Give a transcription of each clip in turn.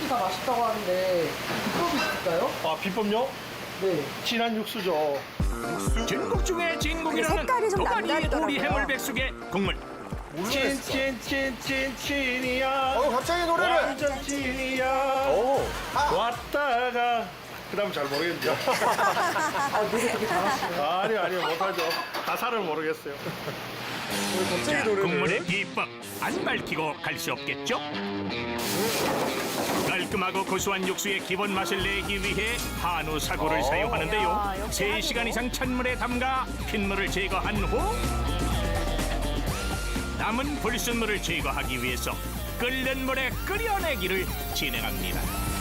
육수들이 다 맛있다고 하는데 비법이 있을까요? 아, 비법요? 네. 진한 육수죠. 진국 중에 진국이라는 색깔이 좀 도가니 남다르더라고요. 오리 해물백숙의 국물. 찐찐찐찐찐이야. 갑자기 노래를. 완전 찐이야. 오. 왔다가. 그 다음 잘 모르겠네요. 아, 노래 되게 잘하시네요. 아니요, 못하죠. 가사를 모르겠어요. 자, 국물의 비법 안 밝히고 갈 수 없겠죠? 깔끔하고 고소한 육수의 기본 맛을 내기 위해 한우 사고를 사용하는데요. 야, 역시 3시간 이상 찬물에 담가 핏물을 제거한 후 남은 불순물을 제거하기 위해서 끓는 물에 끓여내기를 진행합니다.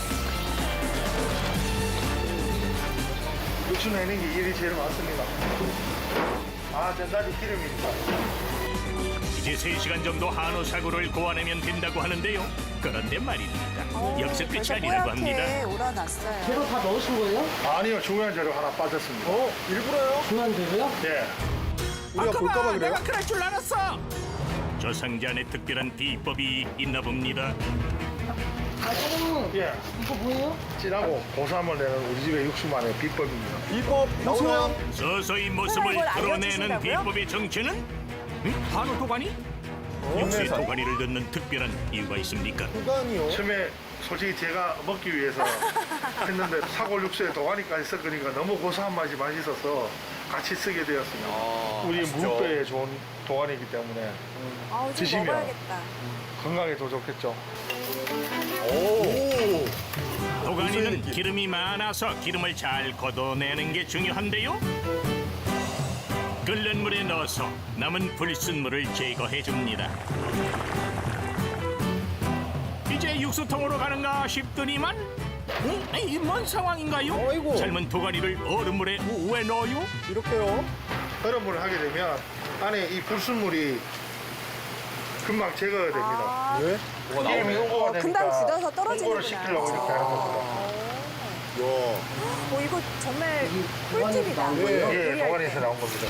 육수 내는 게 일이 제일 많습니다. 아, 전자지 기름이니까. 이제 3시간 정도 한우 사고를 고아내면 된다고 하는데요. 그런데 말입니다. 여기서 끝이 아니라고 합니다. 우러났어요. 재료 다 넣으신 거예요? 아니요, 중요한 재료 하나 빠졌습니다. 일부러요? 중요한 재료요? 예. 우리가 볼까봐 그래요? 내가 그럴 줄 알았어. 저 상자 안에 특별한 비법이 있나 봅니다. 아, 조금 예. 이거 뭐예요? 진하고 고소함을 내는 우리 집의 육수만의 비법입니다. 비법 나오나요? 서서히 모습을 이걸 드러내는 알려주신다고요? 비법의 정체는? 한우 도가니? 육수에 도가니를 넣는 특별한 이유가 있습니까? 도가니요? 처음에 솔직히 제가 먹기 위해서 했는데 사골 육수에 도가니까지 섞으니까 너무 고소한 맛이 맛있어서 같이 쓰게 되었습니다. 우리 맛있죠. 무뼈에 좋은 도가니이기 때문에 아우, 좀 드시면. 먹어야겠다. 건강에 더 좋겠죠. 오. 도가니는 기름이 많아서 기름을 잘 걷어내는 게 중요한데요. 끓는 물에 넣어서 남은 불순물을 제거해 줍니다. 이제 육수통으로 가는가 싶더니만 이뭔 상황인가요? 어이구. 삶은 도가니를 얼음물에 왜 넣어요? 이렇게요? 얼음물을 하게 되면 안에 이 불순물이 금방 제거가 됩니다. 왜? 기름이 홍고가 되니까 금방 굳어서 떨어지는구나. 홍고를 시키려고 이렇게 하는 겁니다. 야. 이거 정말 꿀팁이다. 도가니 예, 요리할 때. 도가니에서 나온 겁니다.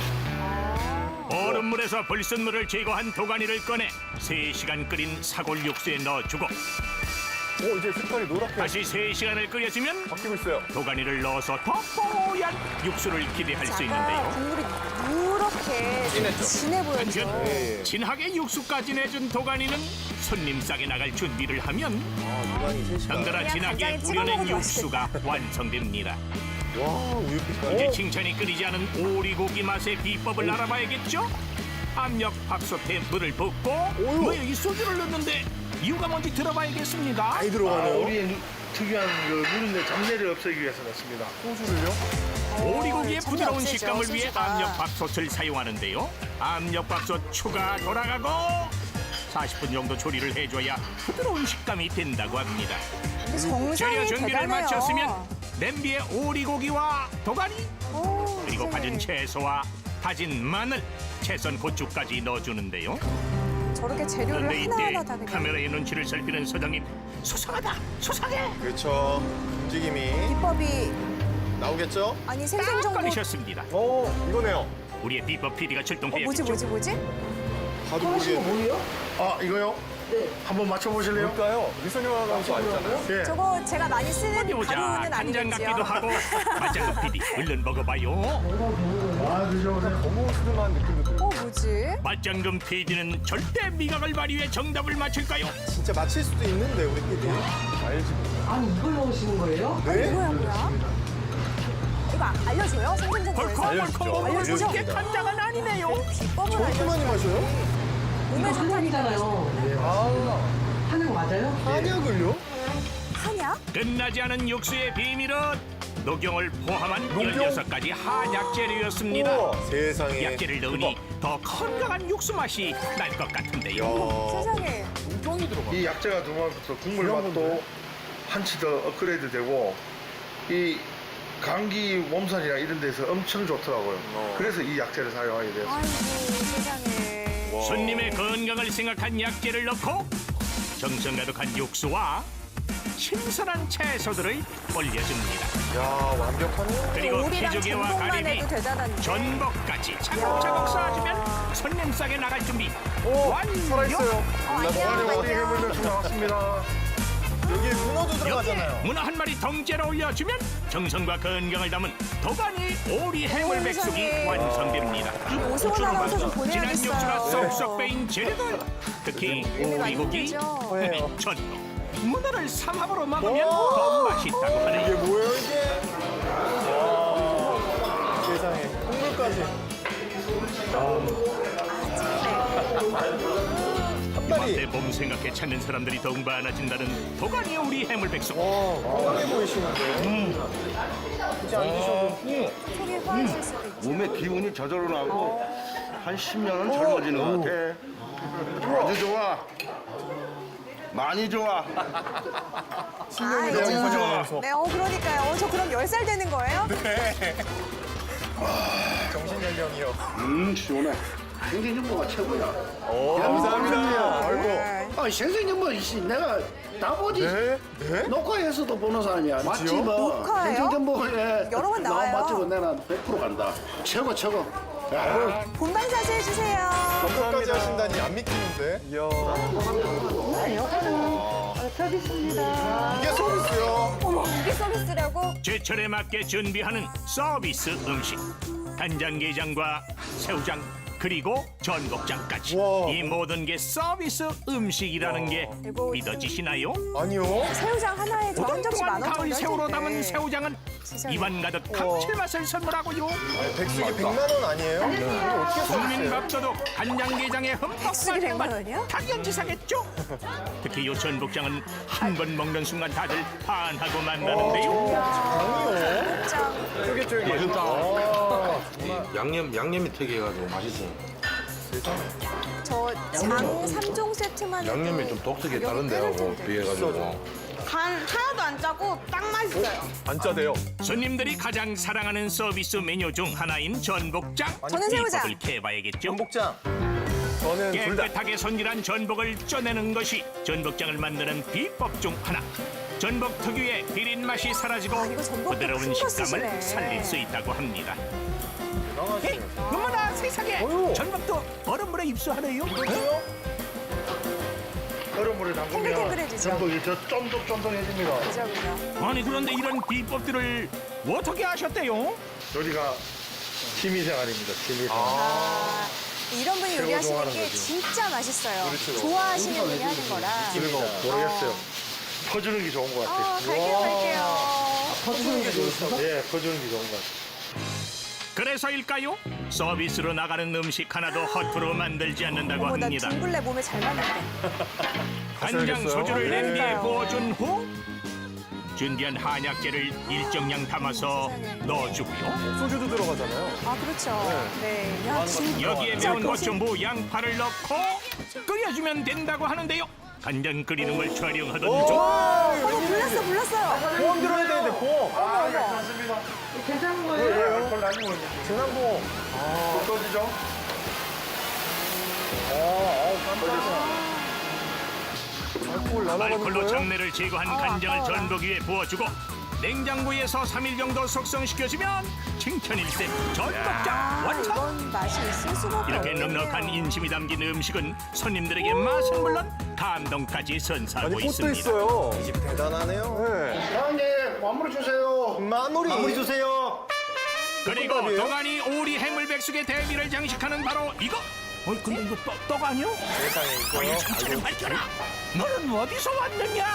얼음물에서 불순물을 제거한 도가니를 꺼내 3시간 끓인 사골 육수에 넣어주고 이제 색깔이 노랗게 다시 3시간을 끓여주면 바뀌고 있어요. 도가니를 넣어서 더 뽀얀 육수를 기대할 수 아까 있는데요. 국물이 누렇게 좀 진해 보였죠. 한편 네. 진하게 육수까지 내준 도가니는 손님 싸게 나갈 준비를 하면 도가니 3시간. 덩달아 그냥 진하게 간장에 찍어 우려낸 먹어도 육수가 완성됩니다. 와, 우유 빛깔. 이제 칭찬이 끊이지 않은 오리고기 맛의 비법을 알아봐야겠죠? 압력 밥솥에 물을 붓고 왜 이 소주를 넣는데 이유가 뭔지 들어봐야겠습니다. 많이 들어가네요. 우리의 특유한 그 누린내 잡내를 없애기 위해서 넣습니다. 소주를요? 오리고기의 전혀 부드러운 없애죠, 식감을 위해 소주가. 압력밥솥을 사용하는데요. 압력밥솥 추가 돌아가고 40분 정도 조리를 해줘야 부드러운 식감이 된다고 합니다. 근데 재료 정성이 준비를 대단해요. 마쳤으면 냄비에 오리고기와 도가니 오, 그리고 세상에. 다진 채소와 다진 마늘, 채썬 고추까지 넣어주는데요. 저렇게 재료를 그런데 하나하나 이때 다 그냥 카메라의 눈치를 살피는 사장님 수상하다 수상해 그렇죠. 움직임이 비법이 나오겠죠? 아니 딱 생생정보. 걸리셨습니다. 이거네요. 우리의 비법 PD가 뭐지 출동해야겠죠. 뭐지? 봐도 하나씩은 모르겠는데. 뭐예요? 아, 이거요? 네. 한번 맞춰보실래요? 뭘까요? 미소녀 아나운서 알잖아요. 예. 저거 제가 많이 쓰는 어디 보자. 가루는 간장 같기도 아니겠지요. 하고 맞장구 PD 얼른 먹어봐요. 아, 드셔보세요. 너무 스름한 느낌도 들고. 뭐지? 맞장금 PD는 절대 미각을 발휘해 정답을 맞힐까요? 진짜 맞힐 수도 있는데 우리 PD. 알지. 아니, 이걸 넣으시는 거예요? 네? 뭐야? 이거 알려줘요? 생생정보에서? 벌컥벌컥 먹으면 알려주죠? 이게 간장은 아니네요. 비법을 저렇게 알려줘. 많이 마셔요? 몸에 이거 한약이잖아요. 아, 한약 맞아요? 한약을요? 한약? 끝나지 않은 육수의 비밀은 녹용을 포함한 녹용? 16가지 한약 재료였습니다. 우와, 세상에. 약재를 넣으니 더 건강한 육수 맛이 날 것 같은데요. 야, 세상에. 똥이 들어가. 이 약재가 들어가면서 국물 이런 맛도 건데? 한치 더 업그레이드 되고 이 감기 몸살이나 이런 데서 엄청 좋더라고요. 그래서 이 약재를 사용하게 되었어요. 아이고 세상에. 손님의 건강을 생각한 약재를 넣고 정성 가득한 육수와 신선한 채소들을 올려줍니다. 야, 완벽하네요. 그리고 오리랑 피조개와 전복만 가리비, 해도 대단한데. 전복까지 차곡차곡 쌓아주면 손님 싸게 나갈 준비 오, 완료! 살아있어요. 안녕. 오리 해물 멸치 나왔습니다. 여기에 문어 문어도 여기에 들어가잖아요. 문어 한 마리 덩째로 올려주면 정성과 건강을 담은 도가니 오리 해물백숙이 세상에. 완성됩니다. 오승원 아나운서 좀 진한 육수가 보내야겠어요. 쏙쏙 빼인 재료들, 특히 오리고기, 힘들죠. 전복, 문어를 삼합으로 먹으면 더 맛있다고 이게 하네요. 뭐예요 이게? 와, 세상에 콩물까지. 한 마리. 이맘때 봄 생각해 찾는 사람들이 더욱 많아진다는 도가니 오리 해물백숙. 와, 건강해 보이시는데. 이제 안 드셔도. 속이 허해질 수도 있죠. 몸에 기운이 저절로 나고 한 10년은 젊어지는 것 같아. 아주 좋아. 많이 좋아. 아, 내가 이제. 좋아하면서. 네, 그러니까요. 저 그럼 10살 되는 거예요? 정신 연령이요. 시원해. 생생정보가 최고야. 감사합니다. 아이고. 네. 아, 생생정보 내가 다 보지. 네? 네? 녹화에서도 보는 사람이야. 맞지 뭐. 녹화예요? 생생정보에 여러 번 나와요. 맞지고 내가 100% 간다. 최고 최고. 야, 본방 사수해주세요. 건강까지 하신다니 안 믿기는데. 이야. 서비스입니다. 이게 서비스요. 어머, 이게 서비스라고? 제철에 맞게 준비하는 서비스 음식. 간장게장과 새우장 그리고 전복장까지 와. 이 모든 게 서비스 음식이라는 게 이거 믿어지시나요? 아니요. 새우장 하나에 저 한 점씩 오동통한 10,000원 가을 정도 새우로 할 텐데. 담은 새우장은 세상에. 입안 가득 감칠맛을 선물하고요. 백숙이 100만 원 아니에요? 이거 어떻게 국민 서비스예요? 밥도둑 간장게장에 흠뻑 백숙이 100만 빠진 원이요? 맛 당연지사겠죠? 특히 요 전복장은 한 번 먹는 순간 다들 반하고 만나는데요. 짱. 쫄깃쫄깃. 양념이 특이해가지고 맛있어요. 저 장 3종 세트만 양념이 좀 독특해 다른데 하고 비해가지고. 간 하나도 안 짜고 딱 맛있어요. 안 짜대요. 손님들이 가장 사랑하는 서비스 메뉴 중 하나인 전복장. 저는 새우장. 비법을 캐봐야겠죠. 전복장. 저는 둘 다. 깨끗하게 손질한 전복을 쪄내는 것이 전복장을 만드는 비법 중 하나. 전복 특유의 비린 맛이 사라지고 아, 이거 전복도 부드러운 큰거 식감을 쓰시네. 살릴 수 있다고 합니다. 에이, 대단하시네요. 어머나 세상에 어휴. 전복도 얼음물에 입수하네요. 이거요? 얼음물에 담그면 탱글탱글해지죠. 전복이 저 쫀득쫀득해집니다. 그죠, 그죠. 아니 그런데 이런 비법들을 어떻게 하셨대요? 요리가 취미생활입니다. 취미생활. 아, 이런 분이 최고 요리하시는 좋아하는 게 거지. 진짜 맛있어요. 그렇죠. 좋아하시는 분이 하는 거라. 그리고 모르겠어요. 퍼주는 게 좋은 것 같아요. 갈게요. 퍼주는 게 좋으세요? 예, 퍼주는 게 좋은 것 같아요. 그래서일까요? 서비스로 나가는 음식 하나도 허투루 만들지 않는다고 어머, 나 합니다. 둥글레 몸에 잘 맞는데. 간장 하셔야겠어요? 소주를 네. 냄비에 부어준 후 준비한 한약재를 일정량 담아서 넣어주고요. 소주도 들어가잖아요. 아, 그렇죠. 네. 야, 진짜. 여기에 매운 고추무, 양파를 넣고 끓여주면 된다고 하는데요. 간장 끓이는 걸 촬영하던 중 어머, 불났어요. 보험 들어야 되는데 보험. 어머. 괜찮은 거예요? 알콜 나뉘고 재난보험. 꺼지죠? 알코올 날아가는 알콜로 거예요? 잡내를 제거한 간장을 전복 위에 부어주고 냉장고에서 3일 정도 숙성시켜주면 칭찬일세 전복장 완성! 이건 맛이 있을 수밖에 이렇게 없네요. 넉넉한 인심이 담긴 음식은 손님들에게 맛은 물론 감동까지 선사하고 아니 꽃도 있습니다. 있어요. 이 집 대단하네요. 네. 사장님 마무리 주세요. 마무리 주세요. 그리고 볶음밥이에요? 도가니 오리 해물백숙의 대비를 장식하는 바로 이거! 근데 이거 떡 아니야? 세상에 어이 정체를 밝혀라! 너는 어디서 왔느냐?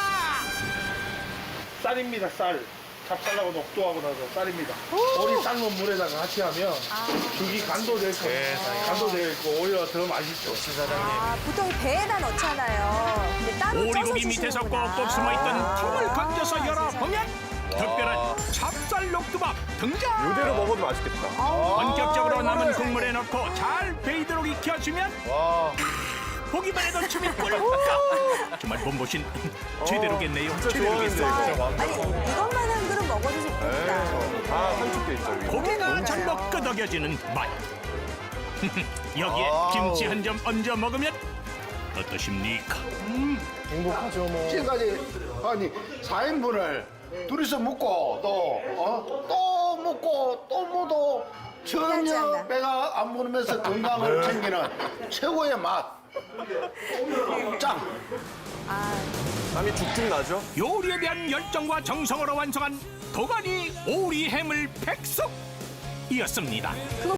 쌀입니다, 쌀. 찹쌀하고 녹두하고 나서 쌀입니다. 오리 삶은 물에다가 같이 하면 죽이 간도 될 거예요. 간도 될 거 오히려 더 맛있죠. 아, 보통 배에다 넣잖아요. 근데 따로 쪄서 오리고기 밑에서 주시는구나. 꼭꼭 숨어있던 틈을 건져서 아, 열어보면 특별한 찹쌀 녹두밥 등장! 이대로 먹어도 맛있겠다. 본격적으로 남은 국물에 넣고 잘 베이도록 익혀주면 와. 보기만 해도 춤이 꿀꺽! 정말 몸보신 제대로겠네요. 진짜 좋아하는데 제대로겠어요. 진짜 아니, 완전. 이것만 한 그릇 먹어도 좋겠다. 다 산축돼 있죠. 위에. 고개가 전복 끄덕여지는 맛. 여기에 아우. 김치 한 점 얹어 먹으면 어떠십니까? 행복하죠 뭐. 지금까지 아니 4인분을 둘이서 먹고 또 먹고 또 먹어도 전혀 않다. 배가 안 부르면서 건강을 챙기는 최고의 맛. 짱. 아, 땀이 죽죽 나죠? 요리에 대한 열정과 정성으로 완성한 도가니 오리 해물 백숙이었습니다.